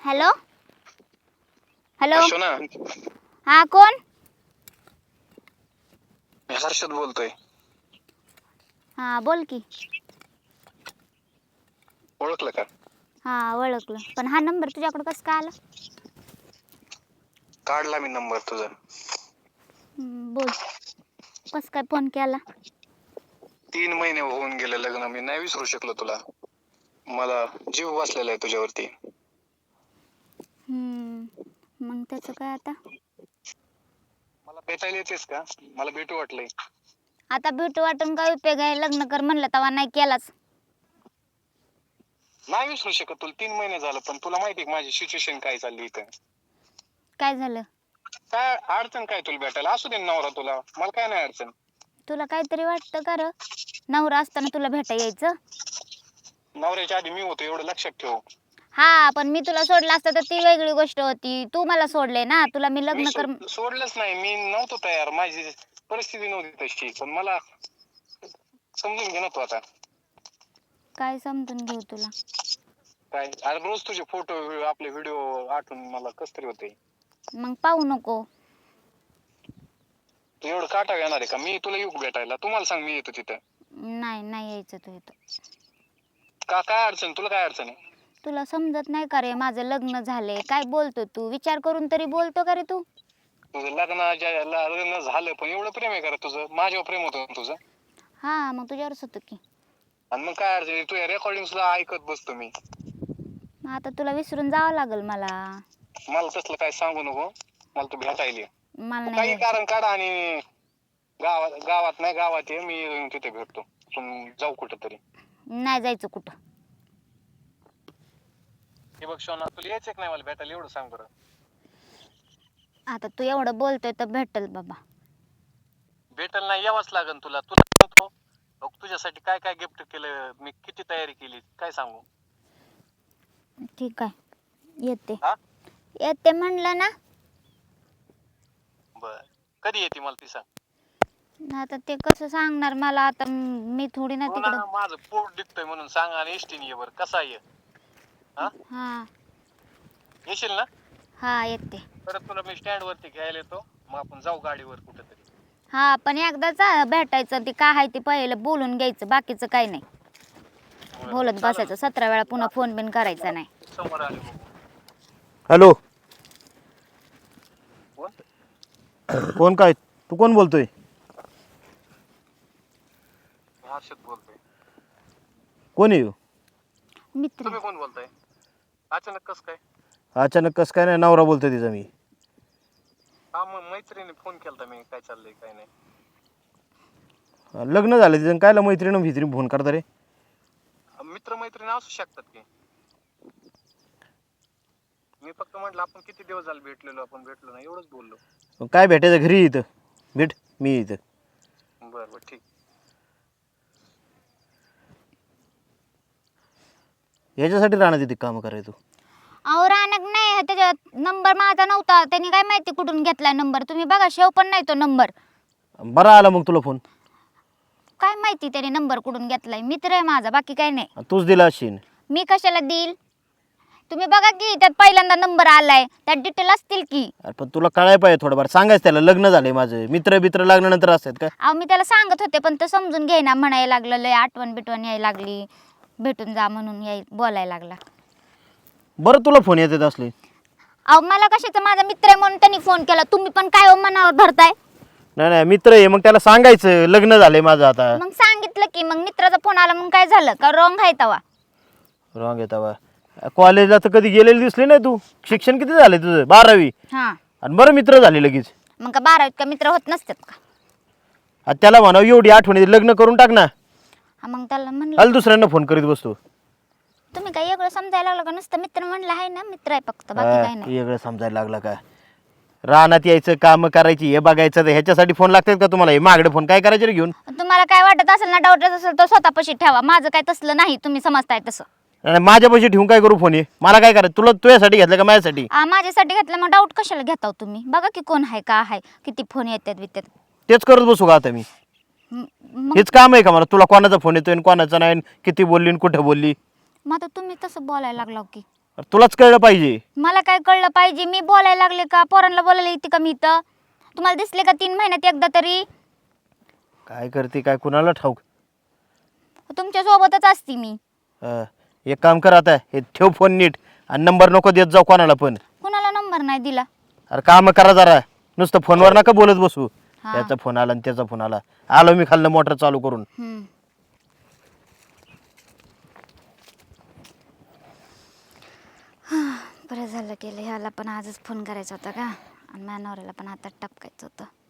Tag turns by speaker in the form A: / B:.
A: Hello hello
B: शोना,
A: हा कोण?
B: मी हर्षद बोलतोय.
A: हा बोल की.
B: ओळखलं का?
A: हा ओळखलं, पण हा नंबर तुझ्याकडे कसं काय आला?
B: काढला मी नंबर तुझा.
A: बोल, कसं काय फोन केला?
B: 3 महिने होऊन गेले लग्न, मी नाही विसरू शकलो तुला. मला जीव बसलेला आहे तुझ्यावरती.
A: मग त्याचं काय आता?
B: मला भेटायला येतेस का? मला भेटू वाटलंय.
A: आता भेटू वाटून काय उपयोग आहे? लग्न कर म्हणलं तेव्हा नाही केलाच.
B: नाही विसरू शकत तुला, 3 महिने झालं, पण तुला माहिती आहे माझी सिच्युएशन काय चालली इथं.
A: काय झालं?
B: काय अडचण काय तुला भेटायला? असू दे नवरा तुला, मला काय नाही अडचण.
A: तुला काहीतरी वाटतं का र? नवरा असताना तुला भेटा यायचं?
B: नवऱ्याच्या आधी मी होतो एवढं लक्षात ठेव.
A: हा, पण मी तुला सोडलं असतं तर ती वेगळी गोष्ट होती. तू मला सोडले ना, तुला मी
B: मी
A: लग्न कर.
B: सोडलंच नाही, मी नव्हतो तयार, माझी परिस्थिती नव्हती तशी. पण मला समजून घे ना तू आता.
A: काय समजून घेऊ तुला?
B: काय अरे, रोज तुझे फोटो आपले व्हिडिओ आठवून मला कस तरी होते.
A: मग पाहू नको.
B: तू एवढं काटा येणार आहे का? मी तुला येऊ भेटायला? तुम्हाला सांग, मी येतो तिथं.
A: नाही नाही यायचं तू इथं.
B: काय अडचण? तुला काय अडचण आहे?
A: तुला समजत नाही का रे? माझं लग्न झालंय. काय बोलतो तू? विचार करून तरी बोलतो का रे तू?
B: तुझं लग्न झालं, पण एवढं प्रेम आहे का तुझं? माझ्यावर प्रेम होतं तुझं?
A: हा, मग तुझ्यावरच होतं की.
B: आणि मग काय अडचण? तू या रेकॉर्डिंगला ऐकत बसतो मी.
A: आता तुला विसरून जावं लागल मला.
B: मला तसलं काय सांगू नको, मला तू भेटायला ये.
A: मला
B: तू
A: नाही
B: काही
A: यायचं.
B: कारण काढ आणि गावात ये, मी तिथे भेटतो. जाऊ कुठं तरी.
A: नाही जायचं कुठं.
B: हे बघ शोना, तुला यायचं नाही मला भेटायला, एवढं सांग बरं.
A: आता तू एवढं बोलतोय तर भेटल बाबा.
B: भेटल नाही, यावंच लागेल तुला. तुला सांगतो तुझ्यासाठी काय काय गिफ्ट केलं मी, किती तयारी केली, काय सांगू?
A: ठीक आहे, येते.
B: हा,
A: येते म्हणलं ना.
B: बर, कधी येते मला ती सांग.
A: आता ते कसं सांगणार मला? आता मी थोडी ना
B: हो ना,
A: तिकडं.
B: माझं पोट दिसतोय म्हणून सांग, आणि एसटीने ये बरं. कसा ये? हा,
A: हा
B: येशील ना?
A: हा येते.
B: परत तुला मी स्टँड वरती घ्यायला येतो, मग आपण जाऊ गाडीवर कुठेतरी.
A: हा, पण एकदाच भेटायचं. ते काय आहे ते पहिलं बोलून घ्यायचं, बाकीचं काही नाही. बोलत बसायचं 17 वेळा, पुन्हा फोन बिन करायचा नाही.
B: समोर आले बघू.
C: हॅलो,
B: कोण?
C: कोण? काय तू कोण बोलतोय?
B: हर्षद बोलतोय.
C: कोण आहे?
A: मित्र.
B: तुम्ही कोण बोलताय? अचानक कस काय?
C: अचानक कसं काय? नाही, नवरा बोलतोय तिचा मी.
B: हा, मग मैत्रिणी फोन केलता मी, काय चाललंय काय नाही.
C: लग्न झालं तिचं, कायला मैत्रीण फोन करता रे?
B: मित्र मैत्रिणी असू शकतात की. मी फक्त म्हटलं आपण किती दिवस झाले भेटलेलो, आपण भेटलो नाही, एवढंच बोललो.
C: काय भेटायचं? घरी इथं भेट, मी इथं.
B: बर बर, ठीक.
C: याच्यासाठी राहणार तिथे काम करायचो?
A: अहो रानक नाही, त्याचा नंबर माझा नव्हता. त्यांनी काय माहिती कुठून घेतलाय नंबर? तुम्ही बघा, शेव पण नाही तो नंबर.
C: बरा आला मग तुला फोन?
A: काय माहिती त्याने नंबर कुठून घेतलाय? मित्र आहे माझा, बाकी काय नाही.
C: तूच दिला असेल.
A: मी कशाला देईल? तुम्ही बघा की, त्यात पहिल्यांदा नंबर आलाय, त्यात डिटेल असतील की.
C: पण तुला कळाय पाहिजे थोडंफार, सांगायचं त्याला लग्न झालंय माझं. मित्र लागल्यानंतर असतात का?
A: अहो मी त्याला सांगत होते, पण तो समजून घेईना. म्हणायला लागलं लय आठवण बिटवण यायला लागली, भेटून जा म्हणून बोलायला लागला.
C: बरं, तुला फोन येतात असले?
A: अहो मला कशाचं? माझा मित्र आहे म्हणून त्यांनी फोन केला. तुम्ही पण काय मनावर धरताय?
C: नाही, मित्र आहे, मग त्याला सांगायचं लग्न झालंय माझं आता.
A: मग सांगितलं की. मग मित्राचा फोन आला म्हणून काय झालं का? रॉंग आहे तवा?
C: रॉंग आहे तवा? कॉलेजला तर कधी गेलेली दिसली नाही तू. शिक्षण किती झालंय तुझं? 12वी.
A: हा,
C: आणि बरं मित्र झाले लगेच.
A: मग का 12वीत का मित्र होत नसतात का?
C: आता त्याला म्हणावं एवढी आठवण येते, लग्न करून टाक ना.
A: हा, मग त्याला म्हणलं.
C: अल दुसऱ्यांना फोन करीत बसतो.
A: तुम्ही काय वेगळं समजायला लागलं का? नुसतं मित्र म्हणलं आहे ना, मित्र आहे फक्त, बाकी काय नाही.
C: वेगळं समजायला लागला का? रानात यायचं, काम करायची, हे बघायचं, ह्याच्यासाठी फोन लागतात का तुम्हाला? हे मागडे फोन काय करायचे रे घेऊन?
A: तुम्हाला काय वाटत असेल ना, डाऊट असेल तर स्वतःपाशी ठेवा. माझं काय तसलं नाही, तुम्ही समजताय तसं.
C: माझ्यापाशी ठेवून काय करू फोन? हे मला काय करायचं? तुला तुझ्यासाठी घेतलं का माझ्यासाठी?
A: माझ्यासाठी घेतलं, मग डाऊट कशाला घेताव तुम्ही? बघा की कोण आहे, का आहे, किती फोन येतात वित्यात.
C: तेच करत बसू का आता मी? हेच काम आहे का मला? तुला कोणाचा फोन येतोय आणि कोणाचा नाही, किती बोलली आणि कुठं बोलली?
A: मग आता तुम्ही तसं बोलायला लागलाव की.
C: तुलाच कळलं पाहिजे.
A: मला काय कळलं पाहिजे? मी बोलायला लागले का? पोरांना बोलायला येते का मी इथं? तुम्हाला दिसले का 3 महिन्यात एकदा तरी?
C: काय करते काय कुणाला ठाऊक.
A: तुमच्या सोबतच असते मी.
C: एक काम कर आता, हे ठेव फोन नीट आणि नंबर नको देत जाऊ कोणाला पण.
A: कुणाला नंबर नाही दिला.
C: अरे काम करा जरा, नुसतं फोनवर नका बोलत बसू.
A: हा.
C: त्याचा फोन आला आणि त्याचा फोन आला. आलो मी खाल्लं मोटर चालू करून.
A: बरं झालं केलं. ह्याला पण आजच फोन करायचा होता का, आणि माझ्या नवऱ्याला पण आता टपकायचं होतं.